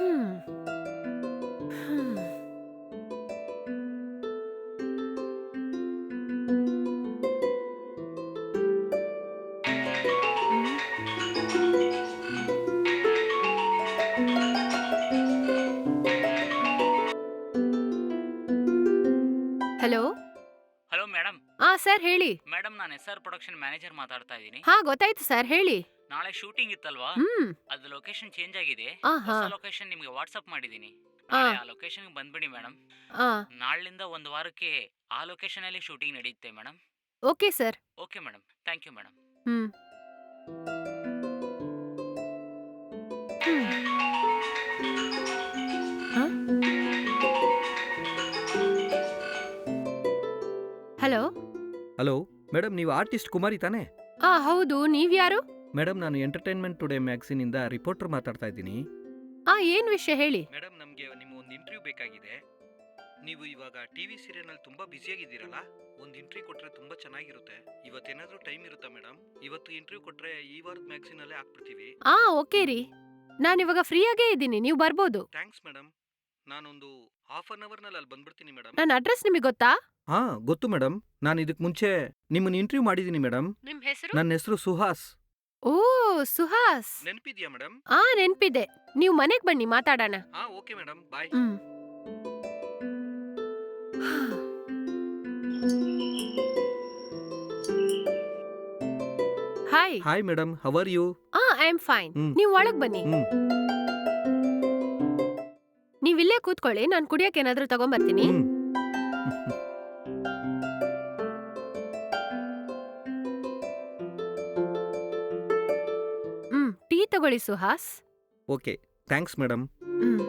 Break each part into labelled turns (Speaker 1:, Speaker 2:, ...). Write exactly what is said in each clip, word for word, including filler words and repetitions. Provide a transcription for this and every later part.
Speaker 1: ಹ್ಮ್. Hmm. Hello.
Speaker 2: Hello madam.
Speaker 1: ಆ sir ಹೇಳಿ.
Speaker 2: Madam ನಾನು ಎಸ್ ಆರ್ ಪ್ರೊಡಕ್ಷನ್ ಮ್ಯಾನೇಜರ್ ಮಾತಾಡ್ತಾ ಇದ್ದೀನಿ.
Speaker 1: ಹಾ ಗೊತ್ತಾಯ್ತು ಸರ್ ಹೇಳಿ.
Speaker 2: ನಾಳೆ ಶೂಟಿಂಗ್ ಇತ್ತಲ್ವಾ,
Speaker 1: ಹ್ಮ್.
Speaker 2: ಅದು ಲೊಕೇಶನ್ ಚೇಂಜ್ ಆಗಿದೆ.
Speaker 1: ಆ ಹಾ.
Speaker 2: ಹೊಸ ಲೊಕೇಶನ್ ನಿಮಗೆ ವಾಟ್ಸಪ್ ಮಾಡಿದ್ದೀನಿ.
Speaker 1: ಆ
Speaker 2: ನಾಳೆ ಆ ಲೊಕೇಶನ್ಗೆ ಬಂದ್ಬಿಡಿ ಮೇಡಮ್.
Speaker 1: ಆ
Speaker 2: ನಾಳಿಂದ ಒಂದು ವಾರಕ್ಕೆ ಆ ಲೊಕೇಶನಲ್ಲಿ ಶೂಟಿಂಗ್ ನಡೆಯುತ್ತೆ madam.
Speaker 1: Okay sir.
Speaker 2: Okay madam, thank you madam.
Speaker 1: Hmm. Hmm. ಹ? ಹಲೋ.
Speaker 3: ಹಲೋ ಮೇಡಮ್, ನೀವು ಆರ್ಟಿಸ್ಟ್ ಕುಮಾರಿ ತಾನೇ?
Speaker 1: ಆ ಹೌದು, ನೀವ್ಯಾರು?
Speaker 3: ಮೇಡಮ್, ನಾನು ಎಂಟರ್ಟೈನ್ಮೆಂಟ್ ಟುಡೇ ಮ್ಯಾಗ್ಝಿನಿಂದ ರಿಪೋರ್ಟರ್ ಮಾತಾಡ್ತಾ ಇದ್ದೀನಿ.
Speaker 1: ಆ ಏನ್ ವಿಷಯ ಹೇಳಿ.
Speaker 3: ಮೇಡಮ್, ನಮಗೆ ನಿಮ್ಮ ಒಂದು ಇಂಟರ್ವ್ಯೂ ಬೇಕಾಗಿದೆ. ನೀವು ಇವಾಗ ಟಿವಿ ಸೀರಿಯಲ್ನಲ್ಲಿ ತುಂಬ ಬ್ಯುಸಿಯಾಗಿದ್ದೀರಲ್ಲ, ಒಂದು ಇಂಟರ್ವ್ಯೂ ಕೊಟ್ಟರೆ ತುಂಬ ಚೆನ್ನಾಗಿರುತ್ತೆ. ಇವತ್ತೇನಾದರೂ ಟೈಮ್ ಇರುತ್ತಾ ಮೇಡಮ್? ಇವತ್ತು ಇಂಟರ್ವ್ಯೂ ಕೊಟ್ಟರೆ ಈ ವಾರದ ಮ್ಯಾಗ್ಝಿನಲ್ಲೇ ಹಾಕ್ಬಿಡ್ತೀವಿ.
Speaker 1: ಆ ಓಕೆ ರೀ, ನಾನಿವಾಗ ಫ್ರೀಯಾಗೇ ಇದ್ದೀನಿ, ನೀವು ಬರ್ಬೋದು.
Speaker 3: Thanks madam. ನಾನೊಂದು ಹಾಫ್ ಅನ್ ಅವರ್ನಲ್ಲಿ ಅಲ್ಲಿ ಬಂದ್ಬಿಡ್ತೀನಿ ಮೇಡಮ್.
Speaker 1: ನನ್ನ ಅಡ್ರೆಸ್ ನಿಮಗೆ ಗೊತ್ತಾ?
Speaker 3: ಹಾಂ ಗೊತ್ತು ಮೇಡಮ್. ನಾನು ಇದಕ್ಕೆ ಮುಂಚೆ ನಿಮ್ಮನ್ನು ಇಂಟರ್ವ್ಯೂ ಮಾಡಿದ್ದೀನಿ ಮೇಡಮ್.
Speaker 1: ನಿಮ್ ಹೆಸರು?
Speaker 3: ನನ್ನ ಹೆಸರು ಸುಹಾಸ್.
Speaker 1: ಓ ಸುಹಾಸ್.
Speaker 3: ನೆನಪಿದ್ಯಾ ಮೇಡಮ್?
Speaker 1: ಆ ನೆನ್ಪಿದೆ, ನೀವು ಮನೆಗ್ ಬನ್ನಿ ಮಾತಾಡೋಣ.
Speaker 3: ಹಾಂ okay madam, bye.
Speaker 1: Hmm. Hi.
Speaker 3: Hi madam, how are you?
Speaker 1: ಆ ಐ ಆಮ್ ಫೈನ್.
Speaker 3: ಹ್ಮ್.
Speaker 1: ನೀವು ಒಳಗ್ ಬನ್ನಿ.
Speaker 3: ಹ್ಮ್.
Speaker 1: ನೀವಿಲ್ಲೇ ಕೂತ್ಕೊಳ್ಳಿ, ನಾನು ಕುಡಿಯಕ್ಕೆ ಏನಾದ್ರೂ ತಗೊಂಬರ್ತೀನಿ.
Speaker 3: ಹ್ಮ್.
Speaker 1: ಹ್ಮ್ ಟೀ ತಗೊಳ್ಳಿ Suhas.
Speaker 3: Okay, thanks madam.
Speaker 1: Hmm.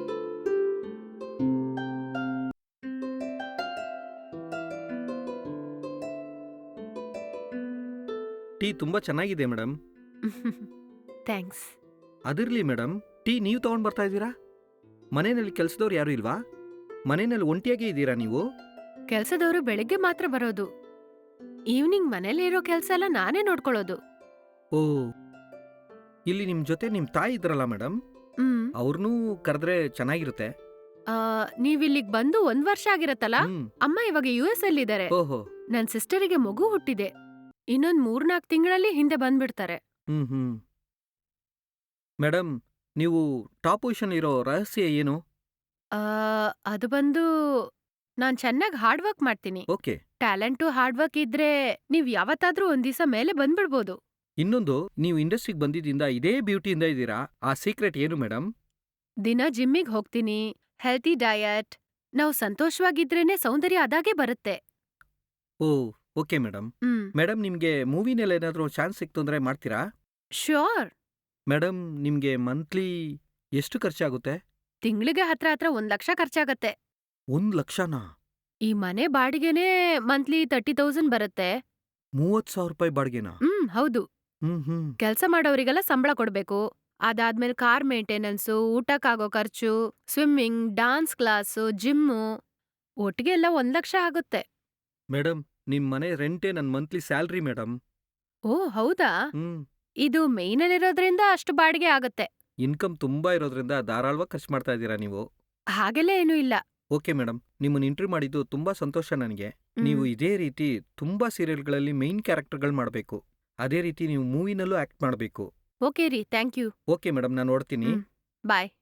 Speaker 3: Tea ತುಂಬಾ ಚೆನ್ನಾಗಿದೆ ಮೇಡಮ್.
Speaker 1: ಥ್ಯಾಂಕ್ಸ್.
Speaker 3: ಅದಿರ್ಲಿ ಮೇಡಮ್, ಟೀ ನೀವು ತಗೊಂಡ್ ಬರ್ತಾ ಇದ್ದೀರಾ? ಮನೆಯಲ್ಲಿ ಕೆಲಸದವ್ರು ಯಾರು ಇಲ್ವಾ? ಮನೆಯಲ್ಲಿ ಒಂಟಿಯಾಗೇ ಇದ್ದೀರಾ ನೀವು?
Speaker 1: ಕೆಲ್ಸದವರು ಬೆಳಿಗ್ಗೆ ಮಾತ್ರ ಬರೋದು. ಈವ್ನಿಂಗ್ ಮನೇಲಿ ಇರೋ ಕೆಲ್ಸ ಎಲ್ಲ ನಾನೇ ನೋಡ್ಕೊಳ್ಳೋದು.
Speaker 3: ಓ, ಇಲ್ಲಿ ನಿಮ್ ಜೊತೆ ನಿಮ್ ತಾಯಿ ಇದ್ರಲ್ಲ ಮೇಡಮ್,
Speaker 1: ಹ್ಮ್.
Speaker 3: ಅವ್ರನ್ನೂ ಕರೆದ್ರೆ ಚೆನ್ನಾಗಿರುತ್ತೆ.
Speaker 1: ಆ, ನೀವಿಲ್ಲಿಗ್ ಬಂದು ಒಂದ್ ವರ್ಷ ಆಗಿರತ್ತಲ್ಲ.
Speaker 3: ಹ್ಮ್.
Speaker 1: ಅಮ್ಮ ಇವಾಗ ಯು ಎಸ್ ಅಲ್ಲಿ ಇದಾರೆ.
Speaker 3: ಓಹೋ.
Speaker 1: ನನ್ ಸಿಸ್ಟರಿಗೆ ಮಗು ಹುಟ್ಟಿದೆ. ಇನ್ನೊಂದ್ ಮೂರ್ನಾಲ್ಕು ತಿಂಗಳಲ್ಲಿ ಹಿಂದೆ ಬಂದ್ಬಿಡ್ತಾರೆ.
Speaker 3: Hmm hmm. ಮೇಡಮ್, ನೀವು ಟಾಪ್ ಪೊಸಿಷನ್ ಇರೋ ರಹಸ್ಯ ಏನು?
Speaker 1: ಆ, ಅದು ಬಂದು ನಾನ್ ಚೆನ್ನಾಗ್ ಹಾರ್ಡ್ ವರ್ಕ್ ಮಾಡ್ತೀನಿ.
Speaker 3: ಓಕೆ.
Speaker 1: ಟ್ಯಾಲೆಂಟು ಹಾರ್ಡ್ ವರ್ಕ್ ಇದ್ರೆ ನೀವ್ ಯಾವತ್ತಾದ್ರೂ ಒಂದ್ ದಿವಸ ಮೇಲೆ ಬಂದ್ಬಿಡ್ಬೋದು.
Speaker 3: ಇನ್ನೊಂದು, ನೀವು ಇಂಡಸ್ಟ್ರಿಗೆ ಬಂದಿದ್ದಿಂದ ಇದೇ ಬ್ಯೂಟಿಯಿಂದ ಇದ್ದೀರಾ. ಆ ಸೀಕ್ರೆಟ್ ಏನು ಮೇಡಮ್?
Speaker 1: ದಿನ ಜಿಮ್ಮಿಗ್ ಹೋಗ್ತೀನಿ, ಹೆಲ್ತಿ ಡಯಟ್. ನಾವ್ ಸಂತೋಷವಾಗಿದ್ರೇನೆ ಸೌಂದರ್ಯ ಅದಾಗೆ ಬರುತ್ತೆ.
Speaker 3: Oh okay madam.
Speaker 1: Hmm.
Speaker 3: Madam, ನಿಮಗೆ ಮೂವಿನಲ್ಲಿ ಏನಾದರೂ ಚಾನ್ಸ್ ಸಿಕ್ತು ಅಂದರೆ ಮಾಡ್ತೀರಾ?
Speaker 1: ಶ್ಯೂರ್.
Speaker 3: ಮೇಡಮ್, ನಿಮಗೆ ಮಂತ್ಲಿ ಎಷ್ಟು ಖರ್ಚಾಗುತ್ತೆ?
Speaker 1: ತಿಂಗ್ಳಿಗೆ ಹತ್ರ ಹತ್ರ ಒಂದ್ ಲಕ್ಷ ಖರ್ಚಾಗತ್ತೆ.
Speaker 3: ಒಂದು ಲಕ್ಷನಾ?
Speaker 1: ಈ ಮನೆ ಬಾಡಿಗೆನೇ ಮಂತ್ಲಿ ತರ್ಟಿ ತೌಸಂಡ್ ಬರುತ್ತೆ.
Speaker 3: ಮೂವತ್ತು ಸಾವಿರ ರೂಪಾಯಿ ಬಾಡಿಗೆನಾ?
Speaker 1: ಹ್ಮ್ ಹೌದು.
Speaker 3: ಹ್ಮ್ ಹ್ಮ್.
Speaker 1: ಕೆಲ್ಸ ಮಾಡೋರಿಗೆಲ್ಲ ಸಂಬಳ ಕೊಡ್ಬೇಕು. ಅದಾದ್ಮೇಲೆ ಕಾರ್ ಮೇಂಟೆನೆನ್ಸು, ಊಟಕ್ಕಾಗೋ ಖರ್ಚು, ಸ್ವಿಮ್ಮಿಂಗ್, ಡಾನ್ಸ್ ಕ್ಲಾಸು, ಜಿಮ್ಮು, ಒಟ್ಟಿಗೆ ಎಲ್ಲ ಒಂದ್ ಲಕ್ಷ ಆಗುತ್ತೆ.
Speaker 3: ಮೇಡಮ್, ನಿಮ್ಮ ಮನೆ ರೆಂಟೇ ನನ್ನ ಮಂತ್ಲಿ ಸ್ಯಾಲ್ರಿ ಮೇಡಮ್.
Speaker 1: ಓ ಹೌದಾ?
Speaker 3: ಹ್ಮ್.
Speaker 1: ಇದು ಮೇಯ್ನಲ್ಲಿರೋದ್ರಿಂದ ಅಷ್ಟು ಬಾಡಿಗೆ ಆಗತ್ತೆ.
Speaker 3: ಇನ್ಕಮ್ ತುಂಬಾ ಇರೋದ್ರಿಂದ ಧಾರಾಳವಾಗಿ ಖರ್ಚು ಮಾಡ್ತಾ ಇದ್ದೀರಾ ನೀವು.
Speaker 1: ಹಾಗೆಲ್ಲ ಏನೂ ಇಲ್ಲ.
Speaker 3: ಓಕೆ ಮೇಡಮ್, ನಿಮ್ಮನ್ನು ಇಂಟರ್ವ್ಯೂ ಮಾಡಿದ್ದು ತುಂಬಾ ಸಂತೋಷ ನನಗೆ.
Speaker 1: ಹ್ಮ್.
Speaker 3: ನೀವು ಇದೇ ರೀತಿ ತುಂಬಾ ಸೀರಿಯಲ್ಗಳಲ್ಲಿ ಮೇಯ್ನ್ ಕ್ಯಾರೆಕ್ಟರ್ಗಳು ಮಾಡಬೇಕು. ಅದೇ ರೀತಿ ನೀವು ಮೂವಿನಲ್ಲೂ ಆಕ್ಟ್ ಮಾಡಬೇಕು.
Speaker 1: ಓಕೆ ರೀ, ಥ್ಯಾಂಕ್ ಯು.
Speaker 3: ಓಕೆ ಮೇಡಮ್, ನಾನು ನೋಡ್ತೀನಿ.
Speaker 1: ಹ್ಮ್. ಬಾಯ್.